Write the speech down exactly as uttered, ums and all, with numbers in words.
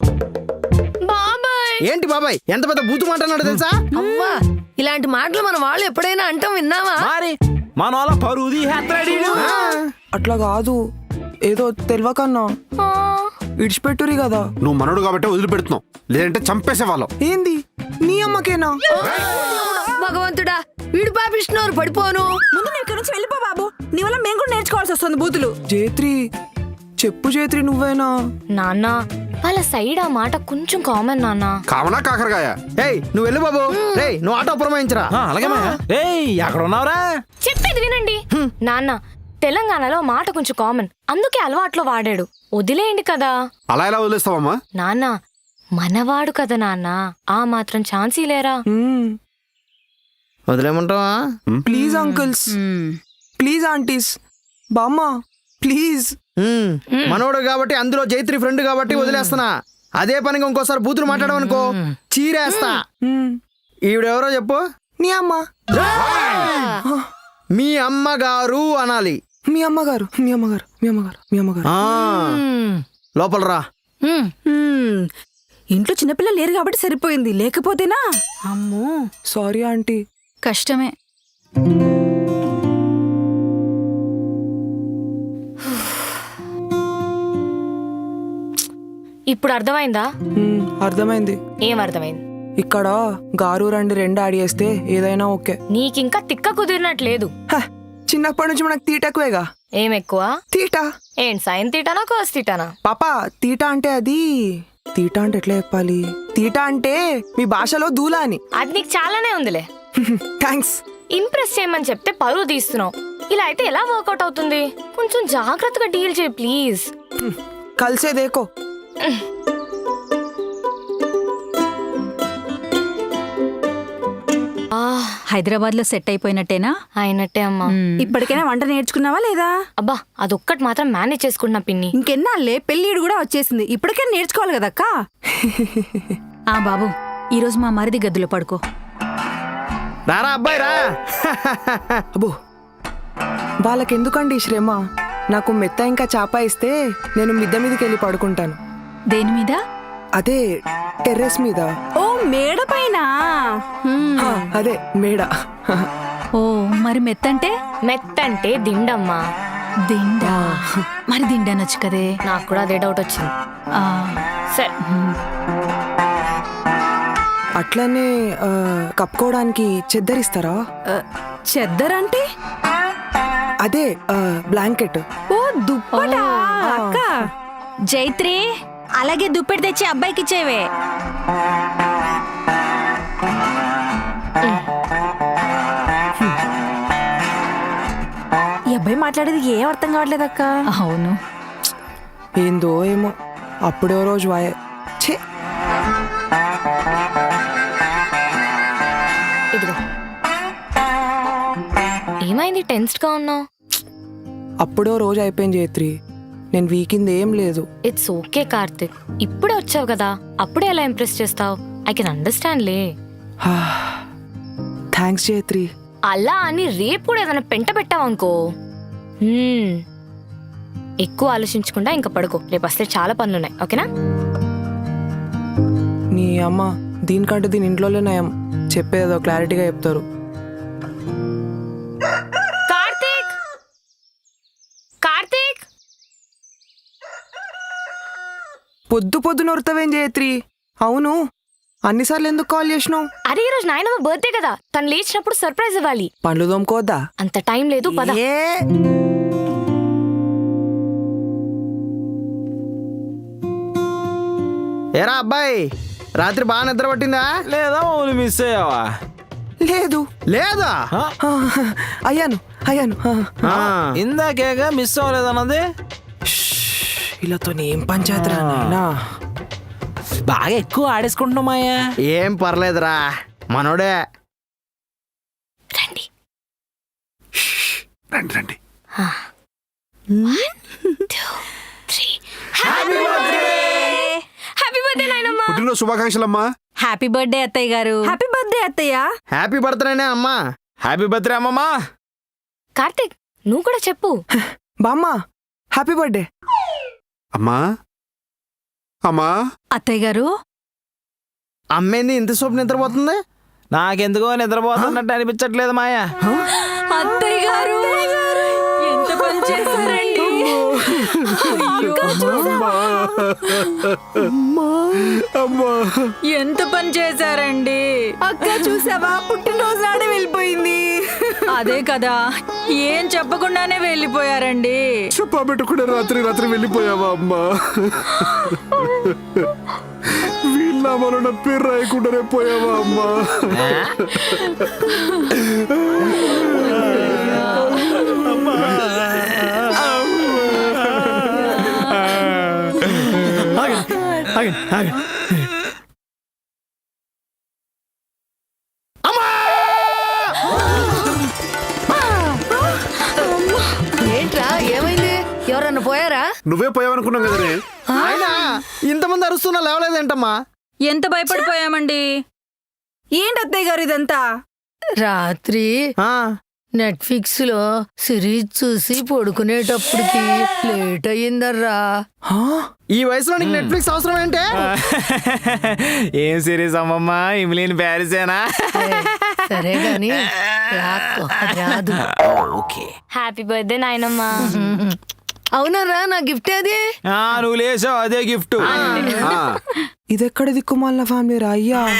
బాబాయ్ ఏంటి బాబాయ్ ఎంత పెద్ద బూతు మాట అన్నాడు తెలుసా? అవ్వా ఇలాంటి మాటలు మన వాళ్ళు ఎప్పుడైనా అంటాం విన్నావా? మరి మన వాళ్ళ పరువు తీసేస్తాడు ఈడు. అట్లా కాదు, ఏదో తెలియకన్నా ఇడిచిపెట్టురి కదా. నువ్వు మనోడు కాబట్టి వదిలిపెడుతున్నావు, లేదంటే చంపేసేవాళ్ళం. ఏంది నీ అమ్మకేనా? భగవంతుడా వీడు పాపిస్తున్నారు పడిపోను. ముందు నేను ఇక్కడ నుంచి వెళ్ళిపో బాబు, నీ వల్ల మేము కూడా నేర్చుకోవాల్సి వస్తుంది బూతులు. జేత్రి చెప్పు జేత్రి, నువ్వేనా? నాన్న వాళ్ళ సైడ్ ఆ మాట కొంచెం కామన్ నాన్న. కావనా కాకరకాయ? ఏయ్ నువ్వు వెళ్ళు బాబు. రేయ్ నువ్వు ఆటో పురమాయించరా. ఆ, అలాగే మాయా. ఏయ్ ఎక్కడ ఉన్నావురా? చెప్పేది వినండి నాన్న, తెలంగాణలో మాట కొంచెం కామన్, అందుకే అలవాట్లో వాడాడు. వదిలేయండి కదా. అలా ఎలా వదిలేస్తావమ్మా? నాన్న మనవాడు కదా నాన్న, ఆ మాత్రం ఛాన్స్ లేరా? మ్మ్. వదిలేమంటావా? ప్లీజ్ అంకుల్స్, ప్లీజ్ ఆంటీస్, బామ్మ ప్లీజ్. ఉమ్, మనోడు కాబట్టి అందులో జైత్రి ఫ్రెండ్ కాబట్టి వదిలేస్తున్నా. అదే పనిగా ఇంకోసారి బూతులు మాట్లాడమనుకో చీరేస్తా. మ్మ్. ఈవిడెవరో చెప్పు. నీ అమ్మ. మీ అమ్మగారు అనాలి. మీ అమ్మగారు, మీ అమ్మగారు, మీ అమ్మగారు, మీ అమ్మగారు. ఆ లోపల రా. హ్మ్. ఇంట్లో చిన్నపిల్లలు లేరు కాబట్టి సరిపోయింది, లేకపోతేనా అమ్మో సారీ ఆంటీ. కష్టమే. ఇప్పుడు అర్థమైందా? మ్మ్, అర్థమైంది. ఏం అర్థమైంది? ఇక్కడ గారు రండి రెండు యాడ్ చేస్తే ఏదైనా ఓకే. నీకింకా తిక్క కుదిరినట్లేదు. హ, చిన్నప్పటి నుంచి మనకు తీట ఎక్కువేగా. ఏం ఎక్కువ? తీట. ఏంటి సైన్ తీటానా కోస్ తీటానా? పాపా తీట అంటే అది తీట అంటే ఎట్లా చెప్పాలి? తీట అంటే మీ భాషలో దూలా అని. అది నీకు చాలానే ఉందిలే. థ్యాంక్స్. ఇంప్రెస్ చేయమని చెప్తే పరువు తీస్తున్నావు. ఇలా అయితే ఎలా వర్కౌట్ అవుతుంది? కొంచెం జాగ్రత్తగా డీల్ చేయి ప్లీజ్. కలిసే దేకో. హైదరాబాద్ లో సెట్ అయిపోయినట్టేనా? అయినట్టే అమ్మా. ఇప్పటికైనా వంట నేర్చుకున్నావా లేదా? అబ్బా అదొక్కటి మాత్రం మేనేజ్ చేసుకుంటున్నా పిన్ని. ఇంకెన్నాళ్ళే పెళ్ళిడు కూడా వచ్చేసింది, ఇప్పటికైనా నేర్చుకోవాలి కదక్క. ఆ బాబు ఈరోజు మా మరిది గదిలో పడుకో. రారా అబ్బాయి రా. అబ్బో వాళ్ళకెందుకండి ఈ శ్రమ? నాకు మెత్త ఇంకా చాప ఇస్తే నేను మిద్దె మీదకి వెళ్ళి పడుకుంటాను. దేని మీద? అదే టెర్రస్ మీద. ఓ మేడ పైన. హా, అదే మేడ. ఓ మరి మెత్తంటే? మెత్తంటే దిండమ్మా. దిండా? మరి దిండనొచ్చు కదే. నాకు కూడా అదే డౌట్ వచ్చింది. ఆ, సరే అట్లనే ఆ, కప్పుకోవడానికి చెద్దరిస్తారా? ఆ, చెద్దరంటే? అదే ఆ, బ్లాంకెట్. ఓ దుప్పటా అక్క. జైత్రి అలాగే దుప్పెడి తెచ్చి అబ్బాయికి ఇచ్చేవే. ఈ అబ్బాయి మాట్లాడేది ఏం అర్థం కావట్లేదు అక్క. అవును, ఏందో ఏమో అప్పుడే రోజు వాయే. ఛే, ఇదిగో. ఏమైంది టెన్స్డ్ గా ఉన్నావు? అప్పుడో రోజు అయిపోయింది జైత్రి, నేను వీకింది ఏం లేదు. ఇట్స్ ఓకే కార్తిక్, ఇప్పుడే వచ్చావు కదా, అప్పుడే ఎలా ఇంప్రెస్ చేస్తావు? ఐ కెన్ అండర్స్టాండ్ లే. థ్యాంక్స్ జైత్రి. అలా అని రేపు కూడా ఏదైనా పెంట పెట్టావనుకో, హ్మ్, ఎక్కువ ఆలోచించకుండా ఇంకా పడుకో. రేపు వస్తే చాలా పనులున్నాయి, ఓకేనా? నీ అమ్మ దీనికంటే దీని ఇంట్లోనే నయం, చెప్పేదో క్లారిటీగా చెప్తారు. కార్తిక్ కార్తిక్ పొద్దు పొద్దు నొరుతావేం జయత్రి? అవును అన్నిసార్లు ఎందుకు కాల్ చేసినావు? అరే ఈ రోజు నాయనమ్మ బర్త్డే కదా, తను లేచినప్పుడు సర్ప్రైజ్ ఇవ్వాలి. పండ్లు తోముకోవద్దా? అంత టైం లేదు, పద. ఏ ఏరా అబ్బాయి రాత్రి బాగా నిద్ర పట్టిందా? లేదా మమ్మల్ని మిస్ అయ్యావా? లేదు. లేదా? ఆ? ఆ, అయ్యాను అయ్యాను. ఆ. ఆ. ఇందాకేగా మిస్ అవ్వలేదన్నది. వీళ్ళతో ఏం పంచాయతీరా నాయనా. బాగా ఎక్కువ ఆడేసుకుంటున్నామాయా. ఏం పర్లేదురా మనోడే. రండి రండి రండి. హ్యాపీ బర్త్డే నాయనమ్మ. పుట్టినరోజు శుభాకాంక్షలమ్మా. హ్యాపీ బర్త్డే అత్తయ్య గారు. హ్యాపీ బర్త్డే అత్తయ్య. హ్యాపీ బర్త్డేనే అమ్మా. హ్యాపీ బర్త్డే అమ్మమ్మా. కార్తిక్ నువ్వు కూడా చెప్పు. బామ్మ హ్యాపీ బర్త్డే. అమ్మా అమ్మా అత్తయ్య గారు అమ్మేంది ఇంత సోపు నిద్రపోతుంది? నాకెందుకో నిద్రపోతున్నట్టు అనిపించట్లేదు మాయా. అత్తయ్య గారు ఎంత పని చేశారండి. ఎంత పని చేశారండి. అక్క చూసావా, పుట్టినరోజు నాడే వెళ్ళిపోయింది. అదే కదా, ఏం చెప్పకుండానే వెళ్ళిపోయారండి. చెప్పా పెట్టుకునే రాత్రి రాత్రి వెళ్ళిపోయావా అమ్మా? వీళ్ళ మన పేరు రాయకుండానే పోయావా అమ్మా? ఆగండి, ఆగండి. ఏంట్రా ఏమైంది? ఎవరన్నా పోయారా? నువ్వే పోయావనుకున్నాం కదనే. ఆయన ఇంతమంది అరుస్తున్నా లేవలేదేంటమ్మా? ఎంత భయపడిపోయామండి. ఏంటి అత్తయ్య గారు ఇదంతా? రాత్రి ఆ, నెట్ఫ్లిక్స్ లో సిరీస్ చూసి పడుకునేటప్పటికి లేట్ అయ్యిందర్రా. ఆ? ఈ వయసులో నీకు నెట్ఫ్లిక్స్ అవసరం ఏంటే? ఏం సిరీస్ అమ్మమ్మ, ఇమిలీన్ ప్యారిసేనా? సరే గాని రాక్కో, అది రాదు. ఓకే. హ్యాపీ బర్త్డే నాయనమ్మా. అవునరా, నా గిఫ్ట్ అది. నువ్వు లేచావు, అదే గిఫ్ట్. ఆ, ఇదెక్కడ దిక్కుమాలిన ఫ్యామిలీ రా అయ్యా.